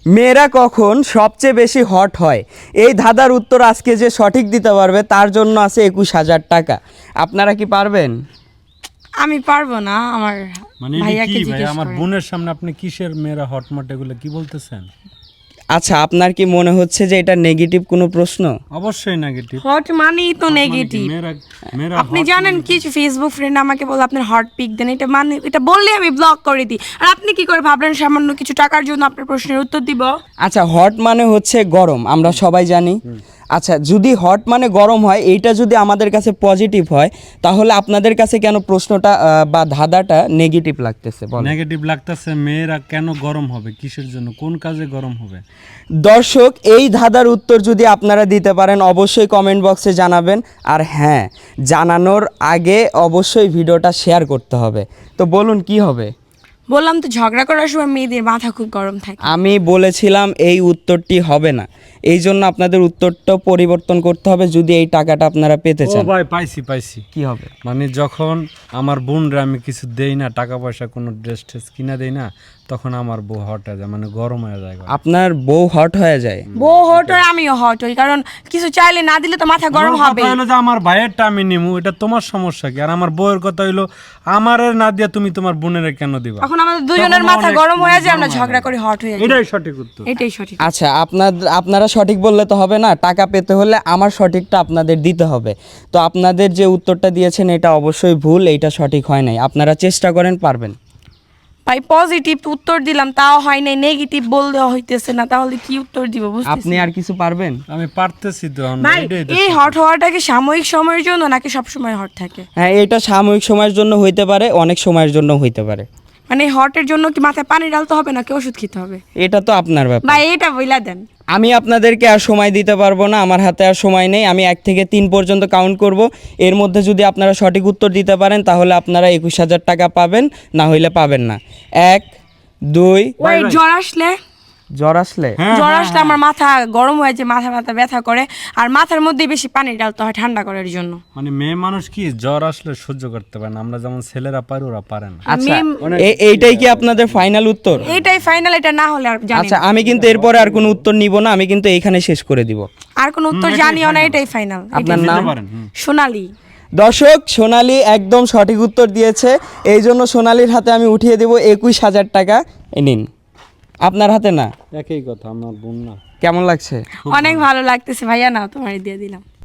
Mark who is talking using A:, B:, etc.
A: মেয়েরা কখন সবচেয়ে বেশি হট হয়? এই ধাঁধার উত্তর আজকে যে সঠিক দিতে পারবে তার জন্য আছে 21,000 টাকা। আপনারা কি পারবেন?
B: আমি পারবো না, আমার
C: মানে এটা
B: ভাইয়াকে
C: কি ভাই,
B: জিজ্ঞেস
C: আমার
B: করেন।
C: বোনের সামনে আপনি কিসের মেয়েরা হটমট এগুলো কি বলতেছেন?
A: আচ্ছা, আপনার কি মনে হচ্ছে যে এটা নেগেটিভ কোনো প্রশ্ন?
C: অবশ্যই নেগেটিভ।
B: হট মানেই তো নেগেটিভ।
C: মেয়েরা মেয়েরা
B: আপনি
C: hot
B: জানেন কিছু ফেসবুক ফ্রেন্ড আমাকে বলে আপনার হট পিক দেন, এটা মানে এটা বললে আমি ব্লক করে দিই। আর আপনি কি করে ভাবলেন সামান্য কিছু টাকার জন্য আপনার প্রশ্নের উত্তর দিব?
A: আচ্ছা, হট মানে হচ্ছে গরম, আমরা সবাই জানি। আচ্ছা, যদি হট মানে গরম হয়, এইটা যদি আমাদের কাছে পজিটিভ হয়, তাহলে আপনাদের কাছে কেন প্রশ্নটা বা ধাঁধাটা নেগেটিভ লাগতেছে বলেন?
C: নেগেটিভ লাগতেছে। মেয়েরা কেন গরম হবে, কিসের জন্য, কোন কাজে গরম হবে?
A: দর্শক, এই ধাঁধার উত্তর যদি আপনারা দিতে পারেন অবশ্যই কমেন্ট বক্সে জানাবেন। আর হ্যাঁ, জানানোর আগে অবশ্যই ভিডিওটা শেয়ার করতে হবে। তো বলুন কি হবে?
B: বললাম তো ঝগড়া করার সময় মেয়েদের মাথা খুব গরম থাকে।
A: আমি বলেছিলাম এই উত্তরটি হবে না, এই জন্য আপনাদের উত্তরটা পরিবর্তন করতে হবে যদি এই টাকাটা আপনারা পেতে
C: ও
A: চান।
C: ভাই, পাইছি।
A: কি হবে?
C: মানে যখন আমার বোনরা আমি কিছু দেই না, টাকা পয়সা কোনো ড্রেস ট্রেস কিনা দেই না, তখন আমার বউ হট হয়ে যায়, মানে গরম হয়ে যায়।
A: আপনার বউ হট হয়ে যায়?
B: বউ হট হয়, আমিও হট হই, কারণ কিছু চাইলে না দিলে তো মাথা গরম
C: আমার
B: হবে।
C: কথা হলো যে আমার ভাইয়েরটা আমি নিমু, এটা তোমার সমস্যা কি? আর আমার বউয়ের কথা হইলো আমারে না দিয়া তুমি তোমার বোনের কেন দিবা?
B: এখন আমাদের দুজনের
C: তখন
B: মাথা
C: অনেক
B: গরম হয়ে যায়,
C: গরম
B: আমরা
C: হয়ে
B: ঝগড়া
C: যায়।
B: করে হট হয়ে যাই।
C: এটাই সঠিক উত্তর।
B: এটাই সঠিক।
A: আচ্ছা, আপনারা সঠিক বললে তো হবে না, টাকা পেতে হলে আমার সঠিকটা আপনাদের দিতে হবে। তো আপনাদের যে উত্তরটা দিয়েছেন এটা অবশ্যই ভুল, এইটা সঠিক হয় নাই। আপনারা চেষ্টা করেন, পারবেন।
B: ভাই পজিটিভ উত্তর দিলাম তাও হয় নাই, নেগেটিভ বললেও হইতেছে না, তাহলে কি উত্তর দিব বুঝতেছি
A: আপনি আর কিছু পারবেন?
C: আমি পারতেছি তো এখন,
B: ভাই।
C: এটাই তো
B: এই
C: ঠিক।
B: হট হওয়াটা কি সাময়িক সময়ের জন্য নাকি সব সময় হট থাকে?
A: হ্যাঁ, এটা সাময়িক সময়ের জন্য হইতে পারে, অনেক সময়ের জন্য হইতে পারে।
B: মানে হটের জন্য কি মাথায় পানি ঢালতে হবে নাকি ওষুধ খেতে হবে?
A: এটা তো আপনার ব্যাপার।
B: ভাই এটা বইলা দেন।
A: আমি আপনাদেরকে আর সময় দিতে পারবো না, আমার হাতে আর সময় নেই। আমি 1 থেকে 3 পর্যন্ত কাউন্ট করব, এর মধ্যে যদি আপনারা সঠিক উত্তর দিতে পারেন তাহলে আপনারা 21,000 টাকা পাবেন, না হইলে পাবেন না। 1, 2।
B: ওই জ্বর আসলে
A: জ্বর আসলে?
C: হ্যাঁ,
B: জ্বর আসলে আমার মাথা গরম হয়ে যায়, মাথা ব্যথা করে, আর মাথার মধ্যে বেশি পানি ঢালতে হয় ঠান্ডা করার জন্য।
C: মানে মেয়ে মানুষ কি জ্বর আসলে সহ্য করতে পারে না, আমরা যেমন ছেলেরা পারি ওরা পারে না।
A: আচ্ছা,
B: মেম-
A: এইটাই কি আপনাদের ফাইনাল উত্তর?
B: এইটাই ফাইনাল, এটা না হলে আর জানি
A: আচ্ছা,
B: না।
A: আমি কিন্তু এরপরে আর কোনো উত্তর নিব না, আমি কিন্তু এইখানে শেষ করে দিব।
B: আর কোনো উত্তর
C: এটাই
B: জানিও না,
C: final।
B: এটাই ফাইনাল।
A: আপনার নাম?
C: দিতে পারেন,
B: সোনালী।
A: দর্শক, সোনালী একদম সঠিক উত্তর দিয়েছে, এই জন্য সোনালীর হাতে আমি উঠিয়ে দেব 21,000 টাকা। এ নিন। আপনার হাতে না?
C: একই কথা, আমার বোন না।
A: কেমন লাগছে?
B: অনেক ভালো লাগতেছে ভাইয়া, না তোমার দিয়ে দিলাম।